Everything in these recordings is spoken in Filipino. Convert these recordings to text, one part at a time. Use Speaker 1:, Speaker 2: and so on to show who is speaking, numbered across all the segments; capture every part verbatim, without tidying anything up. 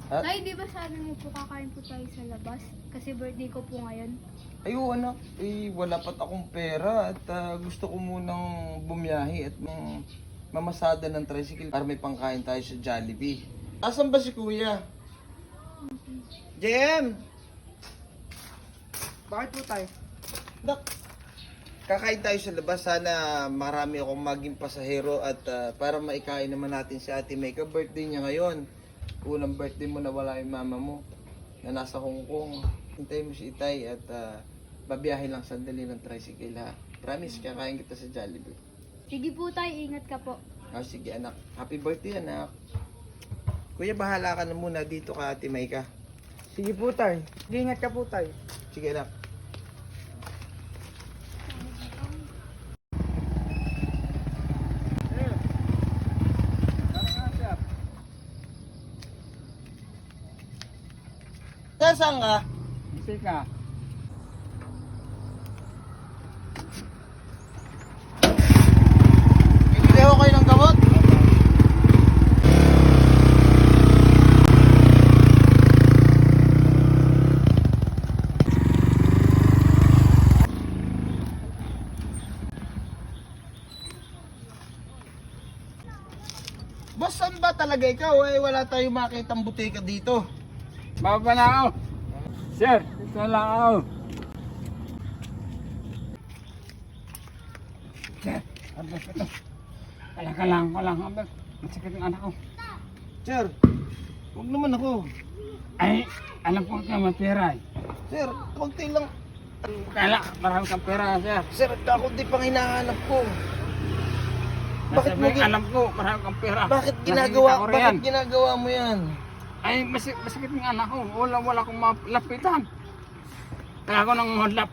Speaker 1: Ha?
Speaker 2: Tay, di ba sabi mo po kakain po tayo sa labas? Kasi birthday ko po ngayon.
Speaker 1: Ayo anak, eh wala pat akong pera at ah, gusto ko munang bumiyahe at um, mamasada ng tricycle para may pangkain tayo sa Jollibee. Asan ba si kuya? J M!
Speaker 3: Bakit po tayo?
Speaker 1: Nak, kakain tayo sa labas. Sana marami akong maging pasahero at ah, para maikain naman natin si Ate May. Ka-birthday niya ngayon. Unang birthday mo na wala yung mama mo na nasa Hong Kong. Hintayin mo si Itay at uh, babiyahe lang sandali ng tricycle ha. Promise, kakain kita sa Jollibee.
Speaker 2: Sige po tay, ingat ka po.
Speaker 1: Ah, sige anak. Happy birthday anak. Kuya, bahala ka na muna dito ka Ate May ka.
Speaker 3: Sige po tayo. Ingat ka po tayo.
Speaker 1: Sige anak. Saan ka?
Speaker 3: Kasi ka.
Speaker 1: Bibili ako kayo ng gamot? Boss, saan ba talaga ikaw? Eh, wala tayong makitang butika dito.
Speaker 3: Baba na ako. Sir, ito lang ako. Sir, abas ito. Kala ka lang, ko lang. Abas, masakit ang anak ko.
Speaker 1: Sir, huwag naman ako.
Speaker 3: Ay, alam ko ka mapira eh.
Speaker 1: Sir, konti lang.
Speaker 3: Kala, marami kang pera, sir.
Speaker 1: Sir, kakunti pang hinahanap ko. Bakit
Speaker 3: Bakit
Speaker 1: mo
Speaker 3: mo
Speaker 1: gi-
Speaker 3: alam ko, marami kang pera.
Speaker 1: Bakit
Speaker 3: Nakikita
Speaker 1: ginagawa,
Speaker 3: ko
Speaker 1: bakit
Speaker 3: riyan.
Speaker 1: ginagawa mo yan?
Speaker 3: Ay, masik masakit ng anak ko. Wala, wala akong malapitan. Kaya ako nang madlap.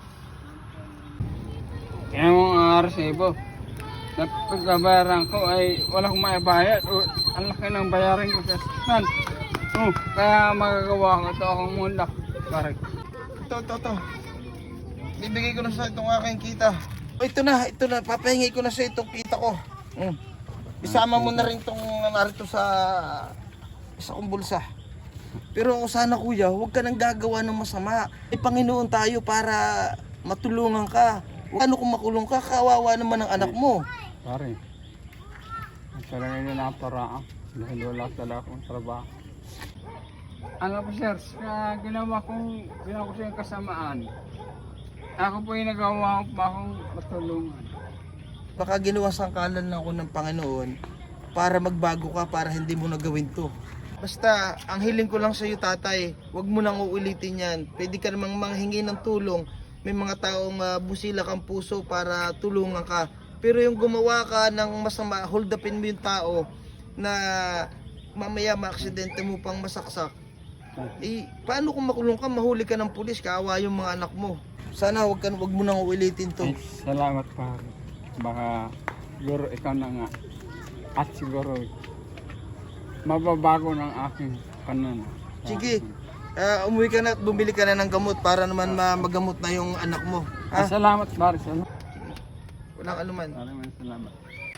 Speaker 3: Kaya mo ang resibo. Sa pagkabayaran ko ay wala akong maibayad. O, ang laki ng bayaran ko sa sasakyan. Oh, kaya magagawa ko ito akong mulak. Parang.
Speaker 1: Ito, ito, ito. Bibigay ko na sa itong aking kita. Oh, ito na, ito na. Papahingi ko na sa itong kita ko. Mm. Isama mo na rin itong narito sa isa kong bulsa. Pero sana kuya, huwag ka nang gagawa ng masama. May Panginoon tayo para matulungan ka. Ano kung makulong ka, kawawa naman ang anak mo.
Speaker 3: Pare. Ang talaga nila na paraan. Dahil wala talaga akong trabaho. Ano po sir, sa ginawa kong, ginawa ko sa yung kasamaan. Ako po yung nagawa ko pa akong matulungan.
Speaker 1: Baka ginawa sangkalan lang ako ng Panginoon para magbago ka, para hindi mo nagawin to. Basta, ang hiling ko lang sa iyo tatay, huwag mo nang uulitin yan. Pwede ka namang manghingi ng tulong. May mga taong uh, busila kang puso para tulungan ka. Pero yung gumawa ka ng masama, hold upin mo yung tao na mamaya maaksidente mo pang masaksak. Eh, paano kung makulong ka, mahuli ka ng pulis, kaawa yung mga anak mo. Sana huwag, ka, huwag mo nang uulitin to.
Speaker 3: Ay, salamat pare. Baka siguro ikaw na nga. At siguro mababago ng aking pananaw.
Speaker 1: Sige, uh, umuwi ka na at bumili ka na ng gamot para naman ma- magamot na yung anak mo.
Speaker 3: Ah,
Speaker 1: Ha?
Speaker 3: salamat pare. Salamat.
Speaker 1: Walang anuman.
Speaker 3: Maraming salamat.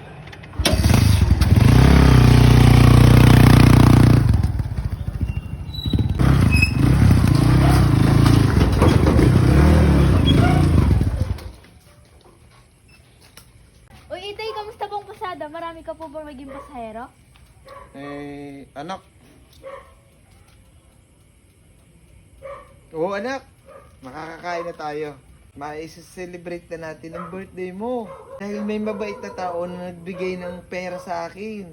Speaker 2: Uy, Itay, kamusta pong pasada? Marami ka po ba maging pasahero?
Speaker 1: Eh, anak. Oo, anak. Makakakain na tayo. Ma-celebrate na natin ang birthday mo. Dahil may mabait na tao na nagbigay ng pera sa akin.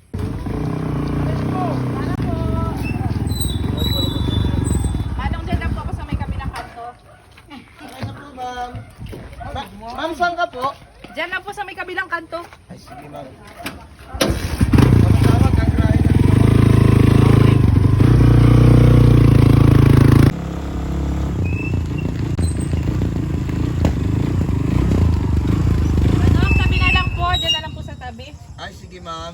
Speaker 4: Manong dyan lang po ako sa may kabilang kanto.
Speaker 1: Okay na po, ma'am. Ma- ma'am, saan ka po?
Speaker 4: Dyan lang po sa may kabilang kanto.
Speaker 1: Ay, sige, ma'am. Tawag, kagrahin na.
Speaker 4: Manong, tabi na lang po. Dyan na lang po sa tabi.
Speaker 1: Ay, sige, ma'am.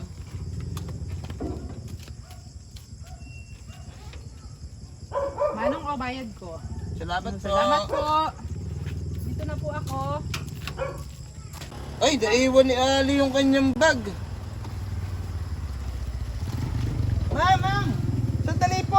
Speaker 4: Manong, o bayad ko.
Speaker 1: Salamat po.
Speaker 4: Salamat po. Dito na po ako.
Speaker 1: Ay, naiwan ni Ali yung kanyang bag. Ma'am, ma'am! Sandali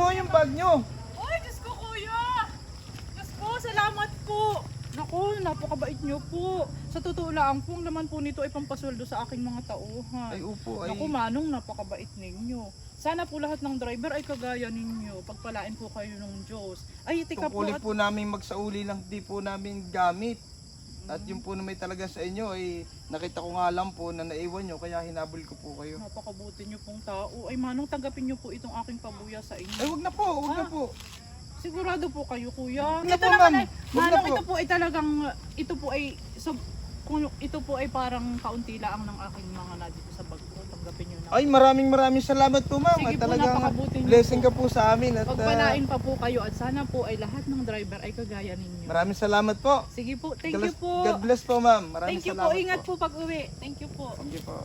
Speaker 1: nyo, yung bag nyo.
Speaker 4: Ay, Diyos ko, kuya! Diyos po, salamat po! Naku, napakabait niyo po. Sa totoo lang po, ang laman po nito ay pampasweldo sa aking mga tauhan.
Speaker 1: Ay, upo, ay.
Speaker 4: Naku, Manong, napakabait ninyo. Sana po lahat ng driver ay kagaya ninyo. Pagpalain po kayo ng Diyos. Ay, tika po
Speaker 1: Tungkulin
Speaker 4: at...
Speaker 1: po namin magsauli lang, di po namin gamit. At yung po na may talaga sa inyo ay nakita ko nga lang po na naiwan nyo kaya hinabol ko po kayo.
Speaker 4: Napakabuti niyo pong tao. Ay, Manong, tanggapin niyo po itong aking pabuya sa inyo.
Speaker 1: Ay, wag na po, wag na
Speaker 4: Ah.
Speaker 1: po.
Speaker 4: Sigurado po kayo, kuya.
Speaker 1: Wag na
Speaker 4: Ito
Speaker 1: po,
Speaker 4: naman
Speaker 1: ma'am.
Speaker 4: ay,
Speaker 1: Wag na
Speaker 4: Manong,
Speaker 1: po.
Speaker 4: ito po ay talagang, ito po ay, so, kung ito po ay parang kaunti lang ng aking mga na dito sa bag ko. Tanggapin niyo na.
Speaker 1: Ay, maraming maraming salamat po, ma'am.
Speaker 4: Sige
Speaker 1: At
Speaker 4: po,
Speaker 1: talagang
Speaker 4: napakabuti niyo
Speaker 1: blessing
Speaker 4: po.
Speaker 1: ka po sa amin. At ah,
Speaker 4: Pagpalain pa po kayo at sana po ay lahat ng driver ay kagaya ninyo.
Speaker 1: maraming salamat po.
Speaker 4: Sige po, thank
Speaker 1: God
Speaker 4: you po.
Speaker 1: God bless po, ma'am. Maraming
Speaker 4: Thank you
Speaker 1: salamat
Speaker 4: po, ingat po pag uwi. Thank you po.
Speaker 1: Thank you po.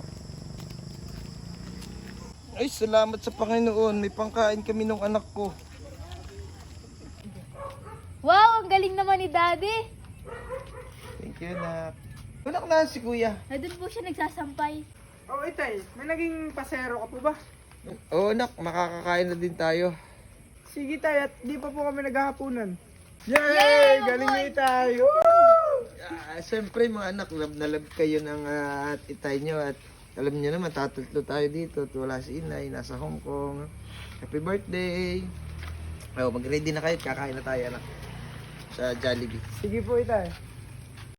Speaker 1: Ay, salamat sa Panginoon. May pangkain kami ng anak ko.
Speaker 2: Wow, ang galing naman ni Daddy.
Speaker 1: Thank you, anak. Anak na si kuya.
Speaker 2: Na doon po siya nagsasampay.
Speaker 3: Oh, itay, may naging pasero ka po ba?
Speaker 1: Oo, anak. Makakakain na din tayo.
Speaker 3: Sige tay, at di pa po kami naghahaponan. Yay! Galing ni itay!
Speaker 1: Ah, Siyempre, mga anak, love na love kayo ng ah, itay nyo. At alam niyo naman, tatatlo tayo dito. At wala si inay, nasa Hong Kong. Happy birthday! Oh, mag-ready na kayo. Kakain na tayo, anak. Sa Jollibee.
Speaker 3: Sige po itay.